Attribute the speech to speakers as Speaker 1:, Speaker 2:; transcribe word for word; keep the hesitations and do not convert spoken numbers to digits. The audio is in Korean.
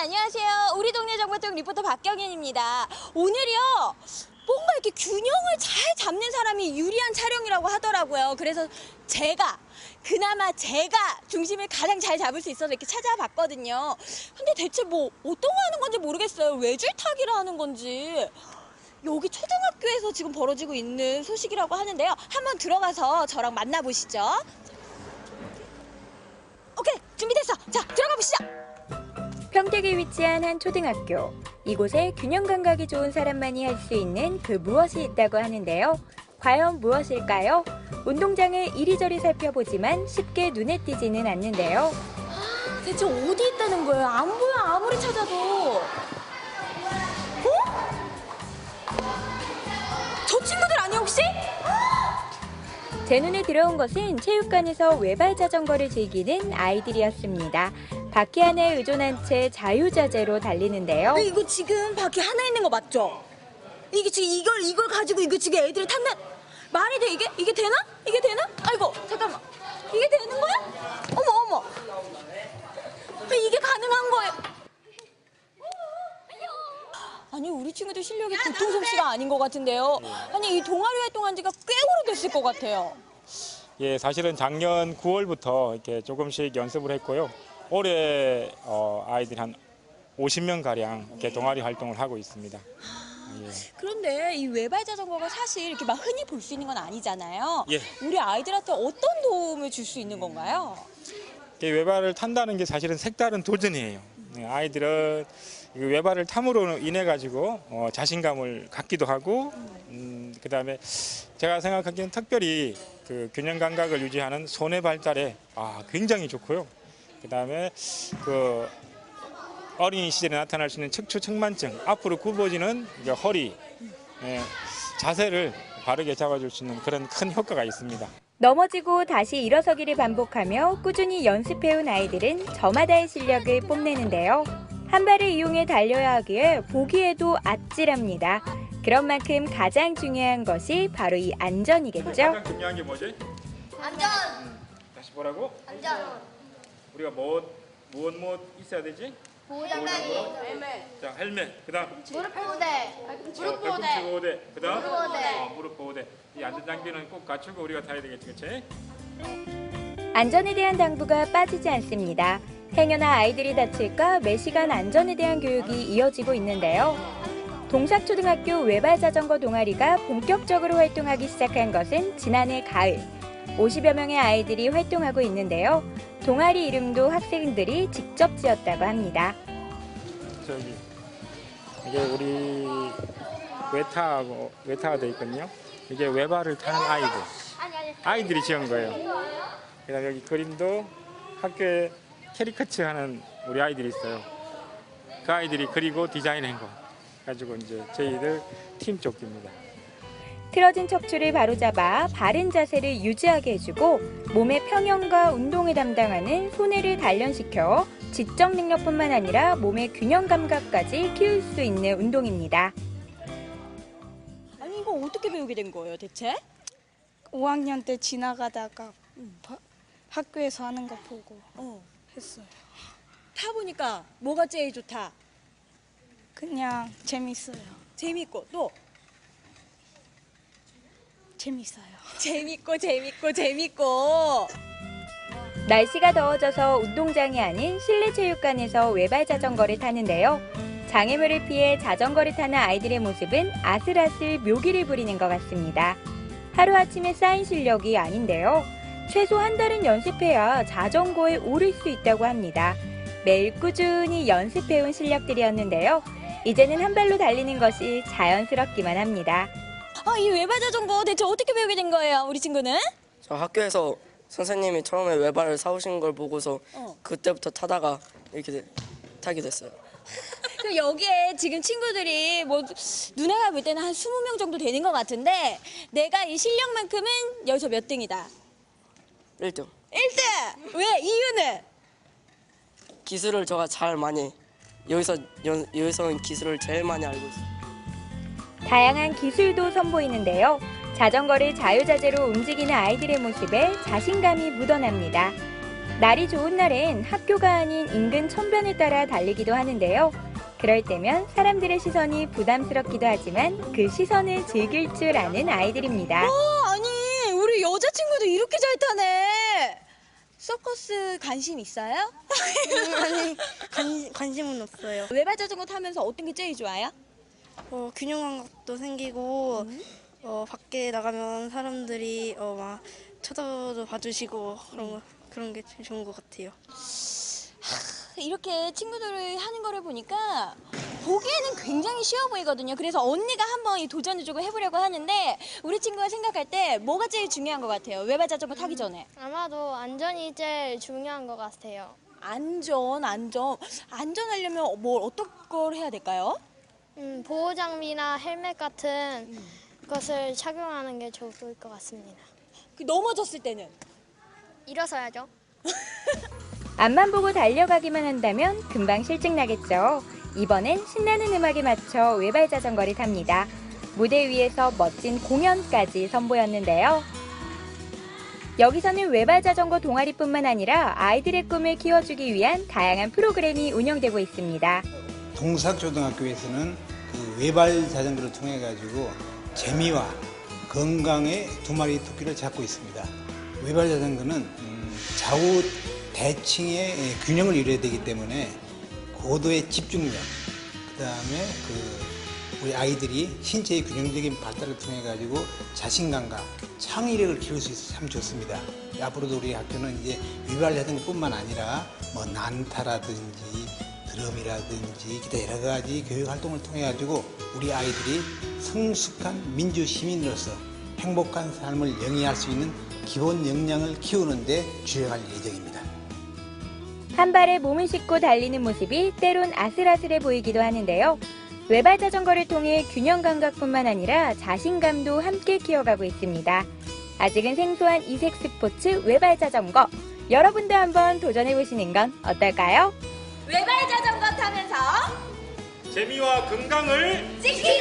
Speaker 1: 안녕하세요. 우리 동네 정보통 리포터 박경인입니다. 오늘이요. 뭔가 이렇게 균형을 잘 잡는 사람이 유리한 촬영이라고 하더라고요. 그래서 제가 그나마 제가 중심을 가장 잘 잡을 수 있어서 이렇게 찾아봤거든요. 근데 대체 뭐 어떤 거 하는 건지 모르겠어요. 외줄타기를 하는 건지. 여기 초등학교에서 지금 벌어지고 있는 소식이라고 하는데요. 한번 들어가서 저랑 만나보시죠. 오케이, 준비됐어. 자, 들어가 보시죠.
Speaker 2: 평택에 위치한 한 초등학교. 이곳에 균형 감각이 좋은 사람만이 할 수 있는 그 무엇이 있다고 하는데요. 과연 무엇일까요? 운동장을 이리저리 살펴보지만 쉽게 눈에 띄지는 않는데요.
Speaker 1: 아, 대체 어디 있다는 거예요? 안 보여, 아무리 찾아도. 어? 저 친구들 아니야, 혹시?
Speaker 2: 제 눈에 들어온 것은 체육관에서 외발 자전거를 즐기는 아이들이었습니다. 바퀴 하나에 의존한 채 자유자재로 달리는데요.
Speaker 1: 이거 지금 바퀴 하나 있는 거 맞죠? 이게 지금 이걸 이걸 가지고 이거 지금 애들이 탄다. 말이 돼 이게? 이게 되나? 이게 되나? 아이고 잠깐만. 이게 되는 거야? 어머 어머. 이게 가능한 거예요? 아니 우리 친구들 실력이 보통 솜씨가 아닌 것 같은데요. 아니 이 동아리 활동한 지가 꽤 오래됐을 것 같아요.
Speaker 3: 예, 사실은 작년 구월부터 이렇게 조금씩 연습을 했고요. 올해 어, 아이들이 한 오십 명 가량 이렇게 동아리 활동을 하고 있습니다. 예.
Speaker 1: 그런데 이 외발 자전거가 사실 이렇게 막 흔히 볼 수 있는 건 아니잖아요.
Speaker 3: 예.
Speaker 1: 우리 아이들한테 어떤 도움을 줄 수 있는 건가요?
Speaker 3: 외발을 탄다는 게 사실은 색다른 도전이에요. 아이들은 외발을 탐으로 인해 가지고 어, 자신감을 갖기도 하고, 음, 그다음에 제가 생각하기엔 특별히 그 균형 감각을 유지하는 손의 발달에 아, 굉장히 좋고요. 그다음에 그 어린이 시절에 나타날 수 있는 척추측만증, 앞으로 굽어지는 이제 허리, 예, 자세를 바르게 잡아줄 수 있는 그런 큰 효과가 있습니다.
Speaker 2: 넘어지고 다시 일어서기를 반복하며 꾸준히 연습해온 아이들은 저마다의 실력을 뽐내는데요. 한 발을 이용해 달려야 하기에 보기에도 아찔합니다. 그런 만큼 가장 중요한 것이 바로 이 안전이겠죠?
Speaker 3: 가장 중요한 게 뭐지?
Speaker 4: 안전.
Speaker 3: 음, 다시 뭐라고?
Speaker 4: 안전.
Speaker 3: 우리가 뭐, 무엇 무엇 있어야 되지?
Speaker 4: 보호장갑이.
Speaker 3: 자, 헬멧. 그다음
Speaker 4: 무릎 보호대.
Speaker 3: 무릎 보호대. 보호대. 그다음
Speaker 4: 무릎 보호대.
Speaker 3: 어, 무릎 보호대. 이 안전 장비는 꼭 갖추고 우리가 타야 되겠지, 그렇지?
Speaker 2: 안전에 대한 당부가 빠지지 않습니다. 행여나 아이들이 다칠까 매 시간 안전에 대한 교육이 이어지고 있는데요. 동삭초등학교 외발 자전거 동아리가 본격적으로 활동하기 시작한 것은 지난해 가을. 오십여 명의 아이들이 활동하고 있는데요. 동아리 이름도 학생들이 직접 지었다고 합니다.
Speaker 3: 저기 이게 우리 외타하고 외타가 돼 있거든요. 이게 외발을 타는 아이들. 아이들이 지은 거예요. 그다음 여기 그림도 학교에 캐리커처 하는 우리 아이들이 있어요. 그 아이들이 그리고 디자인한 거 가지고 이제 저희들 팀 조끼입니다.
Speaker 2: 틀어진 척추를 바로잡아 바른 자세를 유지하게 해주고 몸의 평형과 운동을 담당하는 손해를 단련시켜 지적 능력뿐만 아니라 몸의 균형 감각까지 키울 수 있는 운동입니다.
Speaker 1: 아니 이거 어떻게 배우게 된 거예요 대체?
Speaker 5: 오 학년 때 지나가다가 바, 학교에서 하는 거 보고
Speaker 1: 어.
Speaker 5: 했어요.
Speaker 1: 타보니까 뭐가 제일 좋다?
Speaker 5: 그냥 재밌어요.
Speaker 1: 재밌고 또?
Speaker 5: 재밌어요.
Speaker 1: 재밌고 재밌고 재밌고.
Speaker 2: 날씨가 더워져서 운동장이 아닌 실내 체육관에서 외발 자전거를 타는데요. 장애물을 피해 자전거를 타는 아이들의 모습은 아슬아슬 묘기를 부리는 것 같습니다. 하루아침에 쌓인 실력이 아닌데요. 최소 한 달은 연습해야 자전거에 오를 수 있다고 합니다. 매일 꾸준히 연습해온 실력들이었는데요. 이제는 한 발로 달리는 것이 자연스럽기만 합니다.
Speaker 1: 아, 이 외발 자전거 대체 어떻게 배우게 된 거예요, 우리 친구는?
Speaker 6: 저 학교에서 선생님이 처음에 외발을 사오신 걸 보고서
Speaker 1: 어.
Speaker 6: 그때부터 타다가 이렇게 되- 타게 됐어요.
Speaker 1: 그 여기에 지금 친구들이 뭐 누나가 볼 때는 한 스무 명 정도 되는 것 같은데 내가 이 실력만큼은 여기서 몇 등이다?
Speaker 6: 일 등.
Speaker 1: 일 등! 왜? 이유는?
Speaker 6: 기술을 제가 잘 많이 여기서 연, 여기서는 기술을 제일 많이 알고 있어요.
Speaker 2: 다양한 기술도 선보이는데요. 자전거를 자유자재로 움직이는 아이들의 모습에 자신감이 묻어납니다. 날이 좋은 날엔 학교가 아닌 인근 천변을 따라 달리기도 하는데요. 그럴 때면 사람들의 시선이 부담스럽기도 하지만 그 시선을 즐길 줄 아는 아이들입니다.
Speaker 1: 어, 아니 우리 여자친구도 이렇게 잘 타네. 서커스 관심 있어요?
Speaker 7: 아니 관, 관심은 없어요.
Speaker 1: 외발 자전거 타면서 어떤 게 제일 좋아요?
Speaker 7: 어, 균형 감각도 생기고 어, 밖에 나가면 사람들이 어, 막 쳐다도 봐주시고 그런 거, 그런 게 제일 좋은 것 같아요.
Speaker 1: 이렇게 친구들이 하는 거를 보니까 보기에는 굉장히 쉬워 보이거든요. 그래서 언니가 한번 이 도전을 조금 해보려고 하는데 우리 친구가 생각할 때 뭐가 제일 중요한 것 같아요? 외발 자전거 타기 전에.
Speaker 4: 아마도 안전이 제일 중요한 것 같아요.
Speaker 1: 안전, 안전. 안전하려면 뭘 어떤 걸 해야 될까요?
Speaker 4: 음, 보호 장비나 헬멧 같은 것을 착용하는 게 좋을 것 같습니다.
Speaker 1: 그 넘어졌을 때는?
Speaker 4: 일어서야죠.
Speaker 2: 앞만 보고 달려가기만 한다면 금방 실증 나겠죠. 이번엔 신나는 음악에 맞춰 외발 자전거를 탑니다. 무대 위에서 멋진 공연까지 선보였는데요. 여기서는 외발 자전거 동아리뿐만 아니라 아이들의 꿈을 키워주기 위한 다양한 프로그램이 운영되고 있습니다.
Speaker 8: 동삭초등학교에서는 그 외발 자전거를 통해 가지고 재미와 건강의 두 마리 토끼를 잡고 있습니다. 외발 자전거는 음, 좌우 대칭의 균형을 이뤄야 되기 때문에 고도의 집중력, 그 다음에 그 우리 아이들이 신체의 균형적인 발달을 통해 가지고 자신감과 창의력을 키울 수 있어서 참 좋습니다. 앞으로도 우리 학교는 이제 외발 자전거뿐만 아니라 뭐 난타라든지 드럼이라든지 기타 여러 가지 교육 활동을 통해 가지고 우리 아이들이 성숙한 민주 시민으로서 행복한 삶을 영위할 수 있는 기본 역량을 키우는 데 주력할 예정입니다.
Speaker 2: 한 발에 몸을 싣고 달리는 모습이 때론 아슬아슬해 보이기도 하는데요. 외발 자전거를 통해 균형 감각뿐만 아니라 자신감도 함께 키워가고 있습니다. 아직은 생소한 이색 스포츠 외발 자전거. 여러분도 한번 도전해보시는 건 어떨까요?
Speaker 1: 외발 자전거 타면서
Speaker 3: 재미와 건강을
Speaker 1: 지키자!